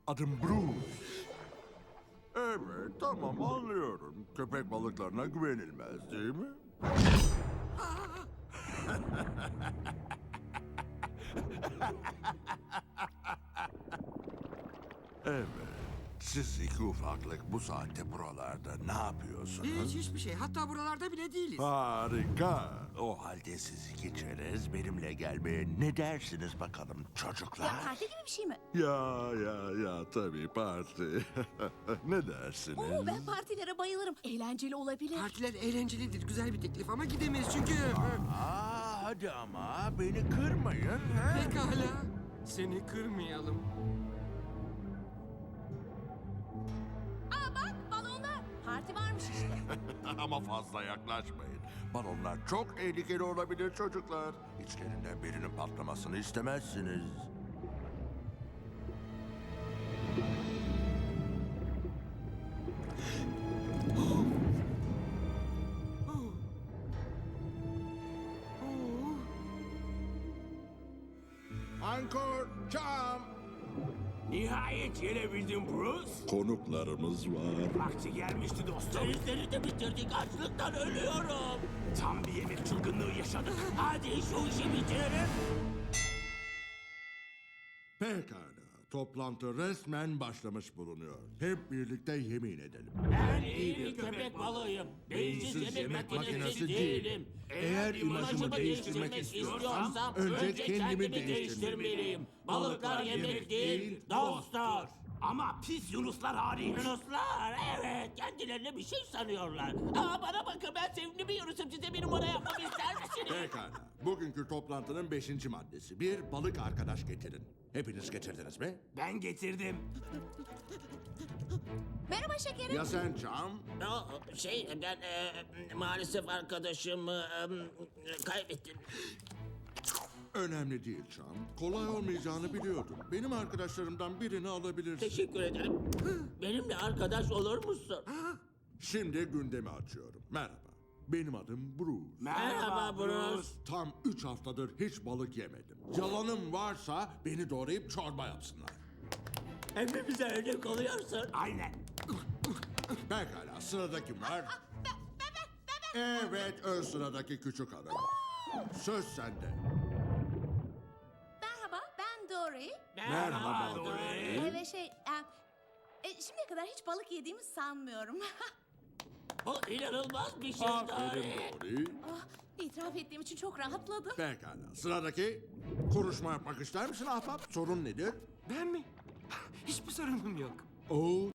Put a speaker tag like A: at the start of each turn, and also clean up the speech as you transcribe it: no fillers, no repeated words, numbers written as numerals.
A: Adım Bruce. Evet, tamam anlıyorum. Köpek balıklarına güvenilmez değil mi? Evet. Siz iki ufaklık bu saatte buralarda ne yapıyorsunuz?
B: Hiçbir şey. Hatta buralarda bile değiliz.
A: Harika. O halde siz iki çerez benimle gelmeye ne dersiniz bakalım çocuklar?
C: Ya parti gibi bir şey mi?
A: Ya tabii parti. Ne dersiniz?
C: Oo, ben partilere bayılırım. Eğlenceli olabilir.
B: Partiler eğlencelidir. Güzel bir teklif ama gidemeyiz çünkü...
A: Hadi ama beni kırmayın. Ha?
B: Pekala. Seni kırmayalım.
C: Aa bak balonlar. Parti varmış işte.
A: Ama fazla yaklaşmayın. Balonlar çok tehlikeli olabilir çocuklar. İçlerinden birinin patlamasını istemezsiniz. Ankor, çam.
D: Nihayet gelebildin Bruce.
A: Konuklarımız var.
D: Vakti gelmişti dostum. Denizleri de bitirdik. Açlıktan ölüyorum. Tam bir yemek çılgınlığı yaşadık. Hadi şu işi bitirelim.
A: Pekala. Toplantı resmen başlamış bulunuyor. Hep birlikte yemin edelim.
D: Ben iyi bir köpek balığıyım. Beyinsiz yemek makinesi değilim. Eğer imajımı değiştirmek istiyorsam önce kendimi değiştirmeliyim. Balıklar yemek değil, dostlar. Ama pis yunuslar hariç. Yunuslar evet kendilerine bir şey sanıyorlar. Aa bana bakın ben sevimli bir yunusum size bir numara yapmamı ister misiniz?
A: Pekala. Bugünkü toplantının 5. maddesi. Bir balık arkadaş getirin. Hepiniz getirdiniz mi?
D: Ben getirdim.
C: Merhaba şekerim.
A: Ya sen Çam?
D: Ben maalesef arkadaşımı kaybettim.
A: Önemli değil Çam. Kolay olmayacağını biliyordum. Benim arkadaşlarımdan birini alabilirsin.
D: Teşekkür ederim. Benimle arkadaş olur musun?
A: Şimdi gündemi açıyorum. Merhaba. Benim adım Bruce.
D: Merhaba Bruce.
A: Tam 3 haftadır hiç balık yemedim. Yalanım varsa beni doğrayıp çorba yapsınlar.
D: Hepimize örnek oluyorsun. Aynen.
A: Pekala sıradaki kim var? Evet ön sıradaki küçük hanım. Söz sende.
C: Merhaba ben Dory.
A: Merhaba Dory.
C: Ve şimdiye kadar hiç balık yediğimi sanmıyorum.
D: Bu inanılmaz bir şey
A: Aferin
D: Dory.
A: Dory.
C: Ah, itiraf ettiğim için çok rahatladım.
A: Pekala sıradaki. Konuşma yapmak ister misin ahbap? Sorun nedir?
B: Ben mi? Hiçbir sorunum yok.
A: Oo